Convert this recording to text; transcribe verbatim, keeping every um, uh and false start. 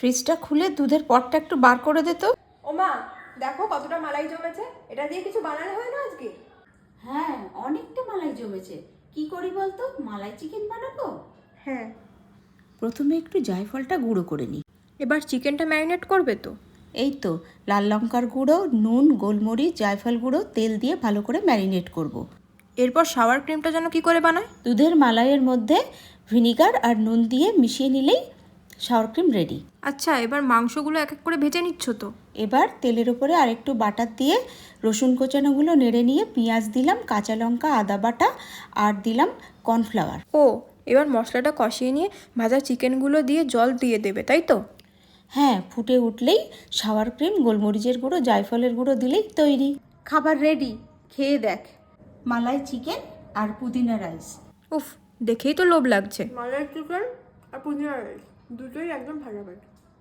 ফ্রিজটা খুলে দুধের পটটা একটু বার করে দে তো। ও মা, দেখো কতটা মালাই জমেছে। এটা দিয়ে কিছু বানানো হয় না আজকে? হ্যাঁ, অনেকটা মালাই জমেছে। কি করি বলতো? মালাই চিকেন বানাবো। হ্যাঁ। প্রথমে একটু জায়ফলটা গুঁড়ো করে নিই। এবার চিকেনটা ম্যারিনেট করবে তো? এই তো লাল লঙ্কার গুঁড়ো, নুন, গোলমরিচ, জায়ফল গুঁড়ো, তেল দিয়ে ভালো করে ম্যারিনেট করব। এরপর শাওয়ার ক্রিমটা যেন কি করে বানায়? দুধের মালাইয়ের মধ্যে ভিনিগার আর নুন দিয়ে মিশিয়ে নিলেই শাওয়ার ক্রিম রেডি। আচ্ছা, এবার মাংসগুলো এক এক করে ভেজে নিচ্ছ তো? এবার তেলের উপরে আরেকটু বাটার দিয়ে রসুন কোচানোগুলো নেড়ে নিয়ে পেঁয়াজ দিলাম, কাঁচা লঙ্কা, আদা বাটা আর দিলাম কর্নফ্লাওয়ার। ও, এবার মশলাটা কষিয়ে নিয়ে ভাজা চিকেনগুলো দিয়ে জল দিয়ে দেবে, তাই তো? হ্যাঁ, ফুটে উঠলেই শাওয়ার ক্রিম, গোলমরিচের গুঁড়ো, জায়ফলের গুঁড়ো দিলেই তৈরি। খাবার রেডি, খেয়ে দেখ। মালাই চিকেন আর পুদিনা রাইস। উফ, দেখেই তো লোভ লাগছে। মালাই চিকেন আর পুদিনা রাইস দুটোই একদম ভালো।